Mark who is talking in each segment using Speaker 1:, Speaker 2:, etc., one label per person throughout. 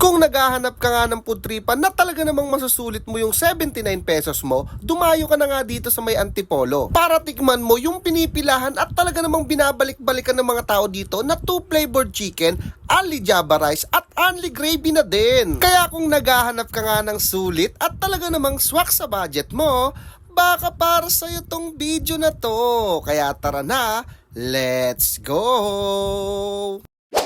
Speaker 1: Kung naghahanap ka nga ng food tripan na talaga namang masusulit mo yung 79 pesos mo, dumayo ka na nga dito sa may Antipolo para tikman mo yung pinipilahan at talaga namang binabalik-balikan ng mga tao dito na 2 flavored chicken, only Java rice at only gravy na din. Kaya kung naghahanap ka nga ng sulit at talaga namang swak sa budget mo, baka para sa'yo tong video na to. Kaya tara na, let's go!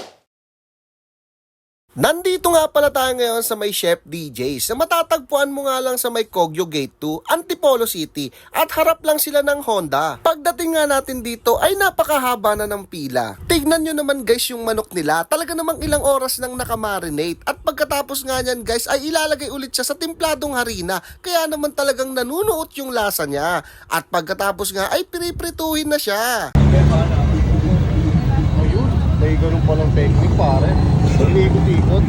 Speaker 1: Nandito nga pala tayo ngayon sa may Chef DJs na matatagpuan mo nga lang sa may Kogyo Gate 2, Antipolo City at harap lang sila ng Honda. Pagdating nga natin dito ay napakahaba na ng pila. Tignan nyo naman guys yung manok nila, talaga namang ilang oras nang nakamarinate at pagkatapos nga nyan guys ay ilalagay ulit siya sa timpladong harina kaya naman talagang nanunuot yung lasa niya at pagkatapos nga ay piniprituhin na siya.
Speaker 2: Ayun, may ganun palang technique pare. Ikot-ikot.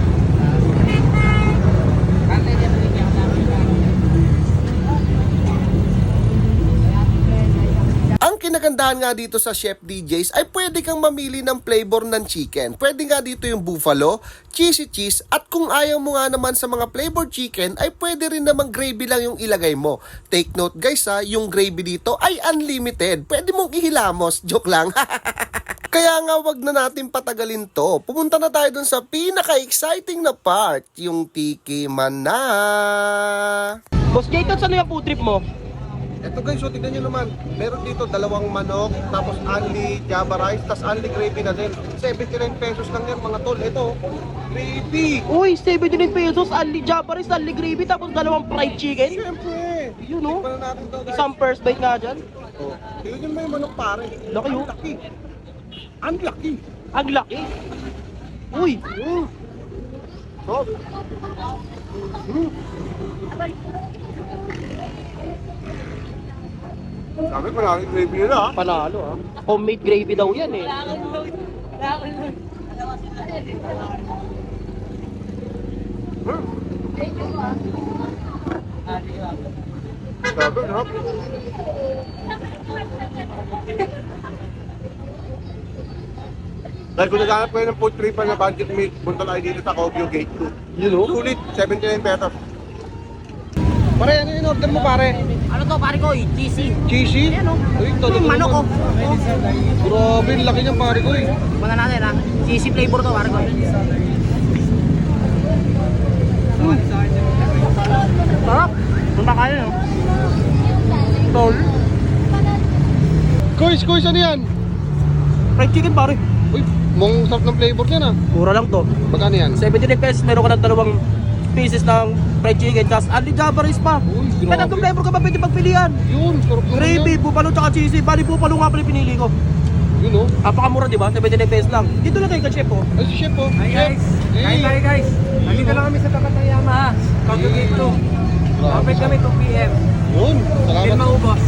Speaker 1: Ang kinagandahan nga dito sa Chef DJs ay pwede kang mamili ng flavor ng chicken. Pwede nga dito yung buffalo, cheesy cheese, at kung ayaw mo nga naman sa mga flavored chicken ay pwede rin namang gravy lang yung ilagay mo. Take note guys ha, yung gravy dito ay unlimited. Pwede mong ihilamos, joke lang. Kaya nga wag na natin patagalin to. Pumunta na tayo dun sa pinaka-exciting na part, yung tikiman na.
Speaker 3: Boss Jayton, saan yung food trip mo?
Speaker 1: Eto guys, so tignan nyo naman. Meron dito dalawang manok, tapos only Java rice, tapos only gravy na din. 79 pesos lang yan mga tol. Ito, gravy.
Speaker 3: Uy, 79 pesos, only Java rice, only gravy, tapos dalawang fried chicken.
Speaker 1: Siyempre.
Speaker 3: Yun o.
Speaker 1: Tikman na natin to guys.
Speaker 3: Isang first bite nga dyan.
Speaker 1: Oh, tignan nyo yung manok pare.
Speaker 3: Laki, oh.
Speaker 1: Ang laki. Ang laki.
Speaker 3: Ang laki. Uy.
Speaker 1: So, sabi ko lang, gravy nila ha.
Speaker 3: Panalo ah. Homemade gravy daw yan eh.
Speaker 1: Sabi, harap. Dahil kung naghanap kayo ng food tripan na budget meal, punta tayo dito sa Kogyo Gate 2.
Speaker 3: Yun o.
Speaker 1: Sulit, 79 pesos. Pare, ano yung order mo pare?
Speaker 3: Ano to pare ko? Cheesy.
Speaker 1: Cheesy?
Speaker 3: Ayan o.
Speaker 1: Uy, todo
Speaker 3: Manok ko.
Speaker 1: Grabe, laki niyang pare ko eh.
Speaker 3: Muna natin ha. Cheesy flavor to pare ko. Sarap. Punta kayo no?
Speaker 1: Tol. Kuys, ano yan?
Speaker 3: Fried chicken pare.
Speaker 1: Uy, mong sarap ng flavor niyan ah.
Speaker 3: Mura lang to.
Speaker 1: Magkano yan?
Speaker 3: 79 pesos, meron ka ng dalawang pieces ng fried chicken, tapos only Java rice pa.
Speaker 1: Uy,
Speaker 3: May tatlong flavor ka pa pwede pagpilian.
Speaker 1: Yun, sarap naman
Speaker 3: Gravy,
Speaker 1: yan.
Speaker 3: buffalo, tsaka cheesy. Bali, buffalo nga pala yung pinili ko.
Speaker 1: Yun oh.
Speaker 3: Napakamura, di ba? 79 pesos lang. Dito lang kayo ka, chef, oh.
Speaker 1: Ay, si chef oh.
Speaker 4: Hi guys! Hi tayo guys! Nandito lang kami sa tapat ng Yamaha. Kogyo Gate 2. Open kami 2 PM.
Speaker 1: Yun,
Speaker 4: Hindi
Speaker 1: salamat.
Speaker 4: maubos.